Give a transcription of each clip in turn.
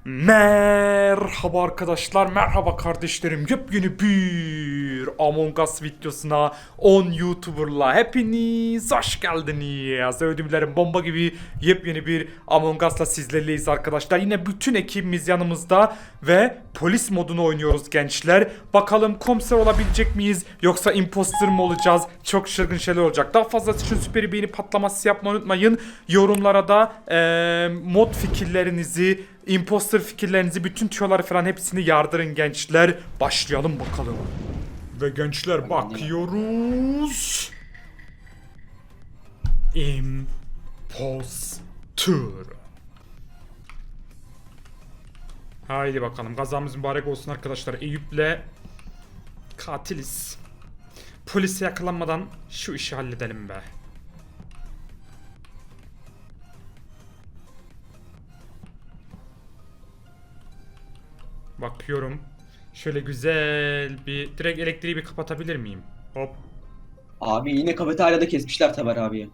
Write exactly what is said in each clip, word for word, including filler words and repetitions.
Merhaba arkadaşlar, merhaba kardeşlerim. Yepyeni bir Among Us videosuna on YouTuber'la hepiniz hoş geldiniz. Ödümlerim bomba gibi yepyeni bir Among Us'la sizlerleyiz arkadaşlar. Yine bütün ekibimiz yanımızda ve polis modunu oynuyoruz gençler. Bakalım komiser olabilecek miyiz yoksa imposter mı olacağız? Çok şırgın şeyler olacak. Daha fazlası için süper beğeni patlaması yapmayı unutmayın. Yorumlara da ee, mod fikirlerinizi, imposter fikirlerinizi, bütün tüyoları falan hepsini yardırın gençler. Başlayalım bakalım. Ve gençler bakıyoruz. Imposter. Haydi bakalım, kazamız mübarek olsun arkadaşlar. Eyüp'le katiliz. Polise yakalanmadan şu işi halledelim be. Bakıyorum. Şöyle güzel bir direkt elektriği bir kapatabilir miyim? Hop. Abi yine kafeteryada kesmişler Taber abiyi.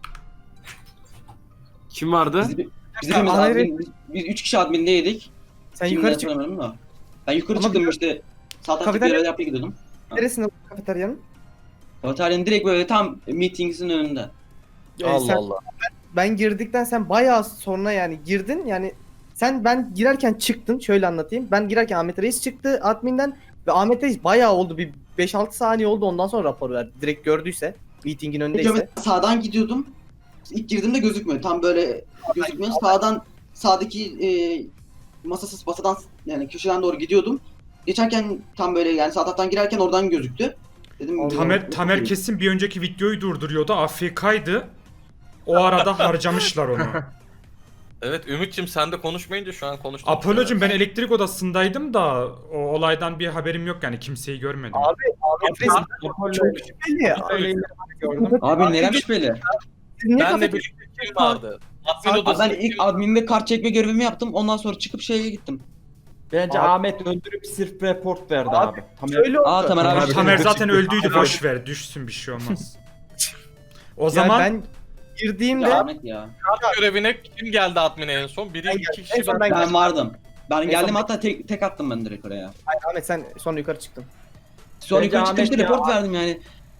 Kim vardı? Biz, biz hepimiz Hayır. admin, biz, biz üç kişi admindeydik. Sen Kimden yukarı çık. hatırlamıyorum da. Ben yukarı Ama çıktım bir- işte. Sağ taraftaki Kafeterya- görev yapmaya gidiyordum. Neresinde bu kafeteryanın? Kafeteryanın direkt böyle tam meetings'in önünde. Ee, Allah sen- Allah. Ben girdikten sen bayağı sonra yani girdin yani sen ben girerken çıktın, şöyle anlatayım. Ben girerken Ahmet Reis çıktı adminden ve Ahmet Reis bayağı oldu, bir beş altı saniye oldu, ondan sonra rapor verdi. Direkt gördüyse meetingin önündeyse. Ben sağdan gidiyordum. İlk girdiğimde gözükmüyor. Tam böyle gözükmüyor. Sağdan sağdaki e, masasız masadan yani köşeden doğru gidiyordum. Geçerken tam böyle yani sağ taraftan girerken oradan gözüktü. Dedim Tamer, Tamer kesin bir önceki videoyu durduruyordu. A F K'ydı. O arada harcamışlar onu. Evet Ümit'cim sen de konuşmayınca şu an konuştum. Apollo'cum, ben elektrik odasındaydım da o olaydan bir haberim yok yani, kimseyi görmedim. Abi Ahmet Reis çok şüpheli ya. Öyle gördüm. Abi nerem şüpheli? Siz niye Benle kafeterya- birlikte kim vardı? Admin Abi odasında ben ilk kim- adminde kart çekme görevimi yaptım. Ondan sonra çıkıp şeye gittim. Bence Abi- Ahmet öldürüp sırf report verdi Abi, abi. Tamam. Şöyle oldu. Aa Tamer abi. Tamer, Tamer Abi, zaten öldüydü, Abi. boş ver, düşsün, bir şey olmaz. O Yani zaman ben girdiğimde Ya Ahmet ya. görevine kim geldi admine en son? Biri Ben iki geldim. kişi En son ben. ben- Ben vardım. Ben geldim son- hatta tek, tek attım ben direkt oraya. Hayır, Ahmet sen sonra yukarı çıktın. Sonra Bence yukarı çıktım işte Ahmet ya. report verdim yani.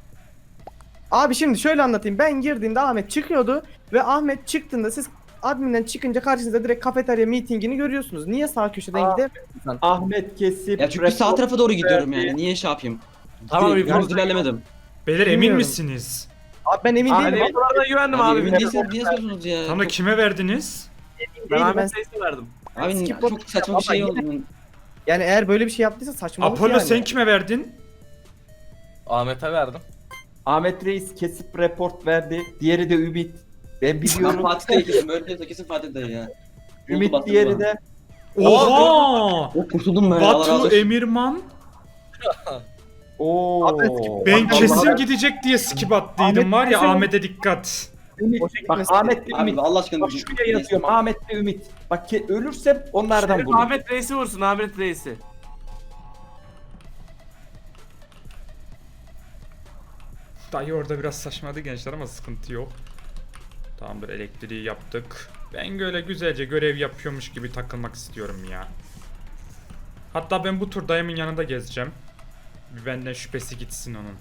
Abi şimdi şöyle anlatayım. Ben girdiğimde Ahmet çıkıyordu ve Ahmet çıktığında siz adminden çıkınca karşınızda direkt kafeterya meetingini görüyorsunuz. Niye sağ köşeden Aa. gidemiyorsun sen? Ahmet kesip Ya çünkü sağ report- tarafa doğru gidiyorum verdi. yani. Niye şey yapayım? Tamam, Direkt report- yalnız ilerlemedim. beyler emin Bilmiyorum. misiniz? Abi ben emin Abi değilim. reportlara güvendim Abi, abi. emin değilseniz niye soruyorsunuz ya? Tam da Çok- kime verdiniz? Ben değilim. Ben, Ahmet Reis'e verdim. Abi skip çok saçma bir şey oldu. yani eğer böyle bir şey yaptıysa saçmalık Apollo, yani. sen kime verdin? Ahmet'e verdim. Ahmet Reis kesip report verdi. Diğeri de Ümit. Ben Ben biliyorum. Fatih'te kesin. Böyle değilse kesin Fatih'te ya. Ümit Bastı diğeri bana. de Oha! O kurtuldum ben. Allah razı Batu, olsun. Emirman. Oo. Ahmet, Ben Vallahi- kesin gidecek diye skip attıydım, Ahmet var ya, kesin- Ahmet'e dikkat. Ümit. O şekilde Bak mesela- Ahmet de Abi Ümit. Allah aşkına. Bak şuraya yazıyorum. Ahmet de Ümit. Bak ke- ölürsem onlardan Şerif bulurum. Ahmet Reis'i vursun Ahmet Reis'i. Dayı orada biraz saçmadı gençler ama sıkıntı yok. Tamamdır, elektriği yaptık. Ben böyle güzelce görev yapıyormuş gibi takılmak istiyorum ya. Hatta ben bu tur dayımın yanında gezeceğim. Bir benden şüphesi gitsin onun.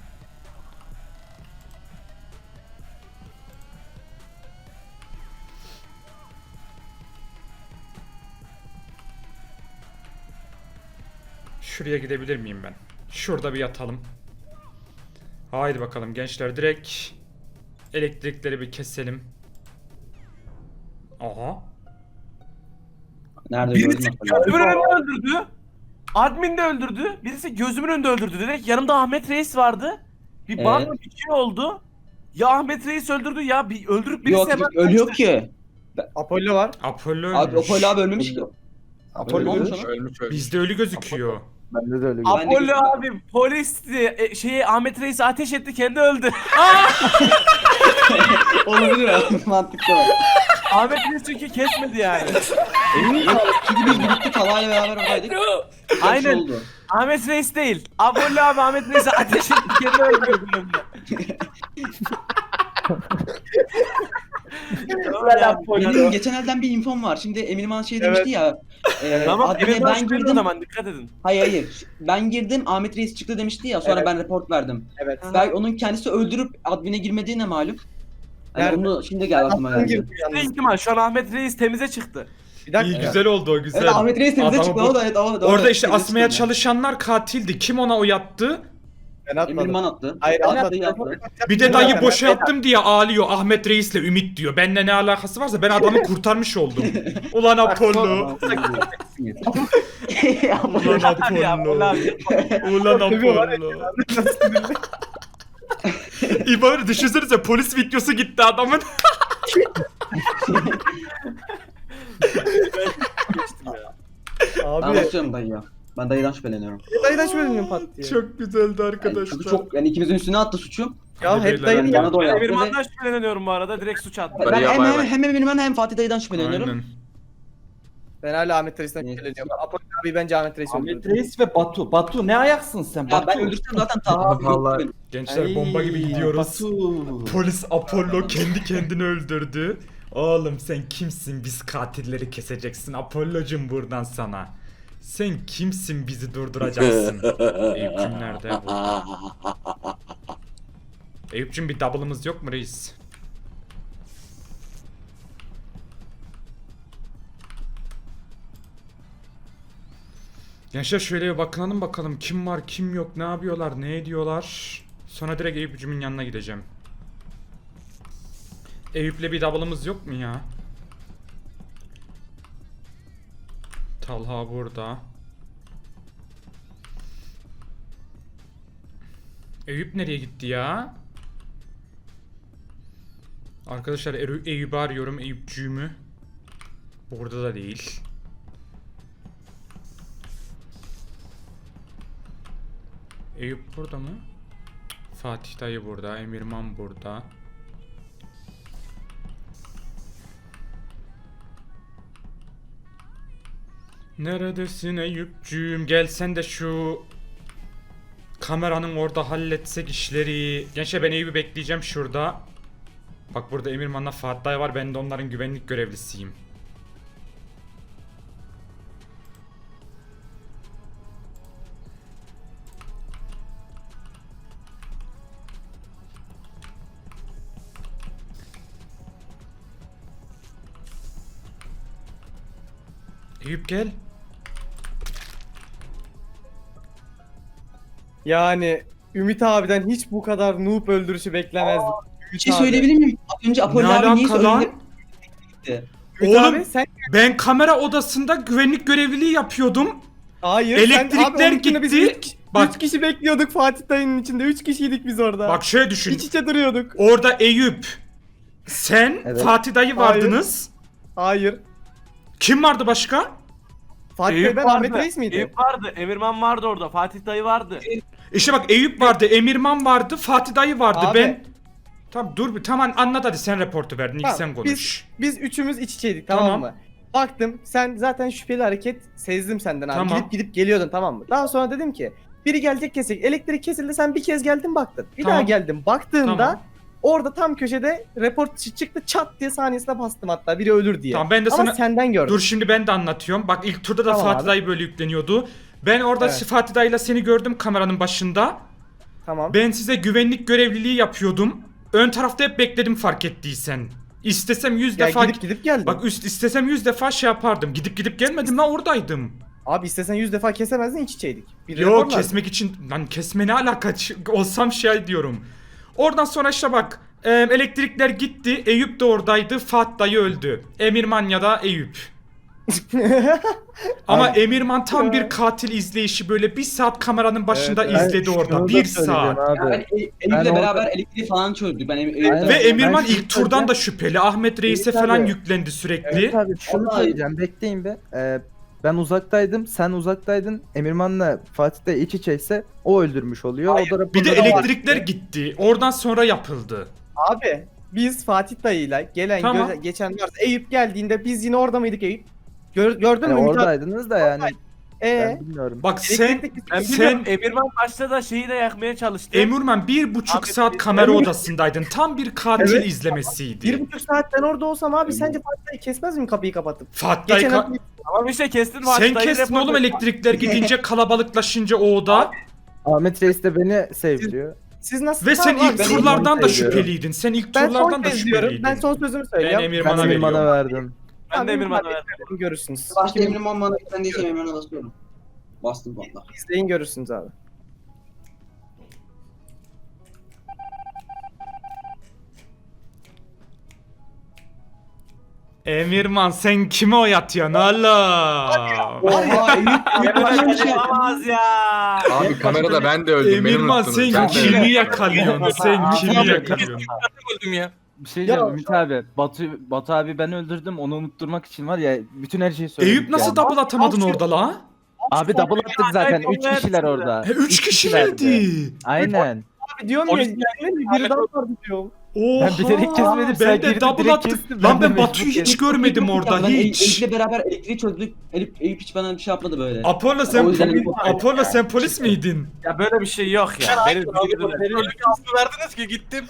Şuraya gidebilir miyim ben? Şurada bir yatalım. Haydi bakalım gençler, direkt elektrikleri bir keselim. Aha. Nerede Birisi gördün? gözümün önünde öldürdü. Admin de öldürdü. Birisi gözümün önünde öldürdü. Direkt yanımda Ahmet Reis vardı. Bir Evet. bana bir şey oldu. Ya Ahmet Reis öldürdü ya bir öldürüp birisi Yok hemen ölüyor kaçtı. ki. Apollo var. Apollo ölmüş. Abi Apollo abi ölmemiş ki. Apollo Ölmüş ölmüş. ama. Ölmüş ölmüş. Bizde ölü gözüküyor. Bende de öyle. Ben de Apollo gözüm- abi polisti. E, şeyi Ahmet Reis'i ateş etti kendi öldü. Olabilir abi. Mantıklı. Ahmet Reis çünkü kesmedi yani. Emin misin? Çünkü biz birlikte Talha'yla beraber oradaydık. Aynen. Şey oldu. Ahmet Reis değil. Apollo abi Ahmet Reis'i ateş etti kendi öldü. Benim geçen elden bir infom var. Şimdi Emirman şey Evet. demişti ya. E, Tamam admine Emirman ben şüpheli o girdim. zaman dikkat edin. Hayır hayır. Ben girdim Ahmet Reis çıktı demişti ya. Sonra Evet. ben report verdim. Evet. Ben onun kendisi öldürüp admine girmediğine malum. Yani Nerede? onu şimdi geldi aklıma Attın geldi. girdi Ne yalnız. ihtimal şu an Ahmet Reis temize çıktı. Bir dakika. İyi güzel oldu o güzel. Evet Ahmet Reis temize Adamı çıktı bu- o da evet o da. Orada işte temize asmaya çıktı. çalışanlar katildi. Kim ona oy attı? Ben atmadım. Emirman attı. Hayır Ben atmadım. attı, yaptı. Bir de dayı Ben- boşalttım diye ağlıyor. Ahmet Reis'le Ümit diyor. Benimle ne alakası varsa ben adamı kurtarmış oldum. Ulan Apollo. Ulan Ya, Apollo. ulan abi. Ulan Seviyor var Apollo. İbari düşünsenize polis videosu gitti adamın. Ben Abi. basıyorum dayı ya. Ben dayıdan şüpheleniyorum. Dayıdan şüpheleniyorum pat diye. Çok güzeldi Yani arkadaşlar. çünkü çok yani ikimizin üstüne attı suçu. Ya Hadi hep beyler, dayının Yani yanı. bana da o Ben yaptı. ve- Emirman'dan şüpheleniyorum bu arada direkt suç attı. Ben Hadi ya, hem, bay hem, bay. hem Emirman hem Fatih'den şüpheleniyorum. Aynen. Ben hala Ahmet Reis'ten Neyse. şüpheleniyorum. Apollo abi bence Ahmet Reis Ahmet öldürdü. Reis ve Batu. Batu ne ayaksın sen? Ya Batu. ben öldürsem zaten Taha abi yoktu Vallahi- benim. Gençler bomba gibi Ay, gidiyoruz. Batu. Polis Apollo kendi kendini öldürdü. Oğlum sen kimsin? Biz katilleri keseceksin. Apollo'cum buradan sana. Sen kimsin bizi durduracaksın? Eyüp'cüm nerede bu? Eyüp'cüm bir double'ımız yok mu reis? Gençler şöyle bir bakınalım bakalım kim var kim yok ne yapıyorlar ne ediyorlar. Sonra direkt Eyüp'cümün yanına gideceğim. Eyüp'le bir double'ımız yok mu ya? Talha burada. Eyüp nereye gitti ya? Arkadaşlar Eru- Eyüp'ü arıyorum. Eyüpcüğümü. Burada da değil. Eyüp burada mı? Fatih dayı burada. Emirman burada. Neredesin Eyüpcüğüm? Gel sen de şu kameranın orada halletsek işleri. Gençler ben Eyüp'ü bekleyeceğim şurada. Bak burada Emirman'la Fatih dayı var. Ben de onların güvenlik görevlisiyim. Eyüp gel. Yani Ümit abiden hiç bu kadar noob öldürüşü beklemezdim. Bir şey söyleyebilir miyim? Az önce Apollo Ne abi niye alaka lan? söyledi? Ümit Oğlum, abi sen Ben kamera odasında güvenlik görevliliği yapıyordum. hayır. Elektrikler sen, abi, onun içinde Biz gitti. üç, Bak. üç kişi bekliyorduk Fatih dayının içinde. Üç kişiydik biz orada. Bak şöyle düşün. İç içe duruyorduk. Orada Eyüp, sen, Evet. Fatih dayı vardınız. Hayır. Kim vardı başka? Fatih Eyüp Bey ben vardı. Ahmet Reis miydi? Eyüp vardı. Emirman vardı orada. Fatih dayı vardı. İşte bak Eyüp vardı, Emirman vardı, Fatih dayı vardı. Abi. Ben Tamam dur bir tamam anlat hadi sen reportu verdin ilk Tamam, sen konuş. Biz üçümüz iç içeydik tamam, Tamam. mı? Baktım sen zaten şüpheli hareket sezdim senden abi. Tamam. Gidip gidip geliyordun tamam mı? Daha sonra dedim ki biri gelecek kesecek. Elektrik kesildi sen bir kez geldin baktın. Bir Tamam. daha geldim baktığımda Tamam. orada tam köşede report çıktı çat diye saniyesine bastım hatta biri ölür diye. Tamam ben de Ama sana senden gördüm. dur şimdi ben de anlatıyorum. Bak ilk turda da Tamam Fatih abi. dayı böyle yükleniyordu. Ben orada Evet. Fatih dayıyla seni gördüm kameranın başında. Tamam. Ben size güvenlik görevliliği yapıyordum. Ön tarafta hep bekledim fark ettiysen. İstesem yüz Ya defa gidip gidip geldim. bak üst istesem yüz defa şey yapardım. Gidip gidip gelmedim lan oradaydım. Abi istesen yüz defa kesemezdin iç içeydik. Bir Yo report verdim. kesmek için lan kesme ne alaka Ç- olsam şey diyorum. Oradan sonra işte bak e, elektrikler gitti. Eyüp de oradaydı. Fatih dayı öldü. Emirman ya da Eyüp. Ama Emirman tam Ya. bir katil izleyişi böyle bir saat kameranın başında Evet, izledi Ben orada. şunu da Bir söyleyeceğim saat. Abi. Yani ben E- Eyüp'le Ben beraber orada- elektriği falan çözdük. Ben Eyüp- Aynen. Ve Eyüp'le- Emirman şunu ilk turdan söyleyeceğim. da şüpheli. Ahmet Reis'e Evet falan abi. yüklendi sürekli. Evet abi şunu Vallahi- söyleyeceğim bekleyin bir. Ee, ben uzaktaydım sen uzaktaydın. Emirman'la Fatih de iç içeyse o öldürmüş oluyor. O da Bir de raporları- elektrikler gitti. Oradan sonra yapıldı. Abi biz Fatih dayıyla gelen Tamam. göze- geçen varsa Eyüp geldiğinde biz yine orada mıydık Eyüp? Gör, gördün Yani mü Ümit abi? oradaydınız da yani Ee, Ben bilmiyorum. Bak sen elektrikteki- Ben sen biliyorum Emirman başta da şeyi de yakmaya çalıştı. Emirman bir buçuk Abi, saat biz- kamera odasındaydın. Tam bir katil Evet. izlemesiydi. bir buçuk saat ben orada olsam abi sence Fatih'i kesmez miyim kapıyı kapatıp? Fatih Geçen ka- ay- Tamam işte kestin sen Fatih dayı kestin report oğlum etti. elektrikler gidince kalabalıklaşınca o oda. Ahmet Reis de beni sevdiyor. Siz nasıl Ve sen Tamam abi, ilk ben- turlardan da seviyorum. şüpheliydin. Sen ilk ben son turlardan da kez diyorum. şüpheliydin. Ben son sözümü Ben söyleyeyim. Ben Emirman'a Emirman'a veriyorum. verdim. Ben de Abi, Emirman'a hadi verdim. Görürsünüz. Başta Kimin- Emirman bana güvendiyse Emirman'a da sorun. Bastım valla. İzleyin görürsünüz abi. Emirman sen kime oy atıyorsun oğlum? Oha Eyüp Emirman Eyüp şey yapamaz ya. Abi kamerada ben de öldüm. beni Emirman unuttunuz. sen Ben de kimi öldüm. yakalıyorsun? Sen kimi Abi, yakalıyorsun? öldüm ya. Bir şey Ya- diyeceğim Ümit abi. Batu, Batu abi ben öldürdüm. Onu unutturmak için var ya bütün her şeyi söyledik. Eyüp nasıl yani. double atamadın orada la? Abi double attık zaten. Acayip Üç kişiler oldu. orada. He, üç kişilerdi. Aynen. Abi diyorum ya, Polis yemin biri daha vardı diyorum. Oha. Ben bilerek kesmedim, sen Ben de girdin, double direkt attım. kestin, Lan ben de ben Batu'yu mecbur hiç görmedim orada hiç. Eyüp'le beraber elektriği çözdük. Eyüp, Eyüp hiç bana bir şey yapmadı böyle. Apollo O sen yüzden poli- Eyüp- Apollo sen polis miydin? Ya böyle bir şey yok ya. Benim Öyle bir verdiniz ki gittim.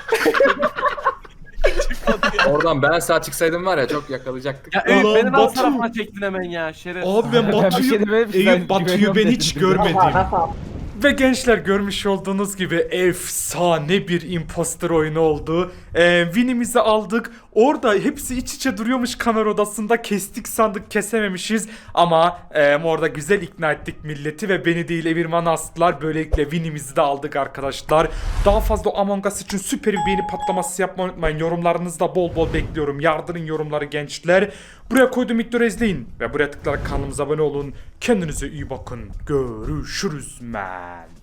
Oradan ben sağ çıksaydım var ya çok yakalayacaktık. Ya Eyüp Ulan beni nasıl Batu. tarafına çektin hemen ya şeref. Abi ben Ben bir Batu'yu şey demedim, sen Eyüp Batu'yu güveniyorum ben dedin. hiç görmedim. Ve gençler görmüş olduğunuz gibi efsane bir imposter oyunu oldu. Ee, win'imizi aldık. Orada hepsi iç içe duruyormuş kamera odasında. Kestik sandık kesememişiz. Ama e, orada güzel ikna ettik milleti ve beni değil Emirman'ı astılar. Böylelikle win'imizi de aldık arkadaşlar. Daha fazla Among Us için süper bir beğeni patlaması yapmayı unutmayın. Yorumlarınızı da bol bol bekliyorum. Yardırın yorumları gençler. Buraya koyduğum videoları izleyin. Ve buraya tıklayarak kanalımıza abone olun. Kendinize iyi bakın. Görüşürüz men.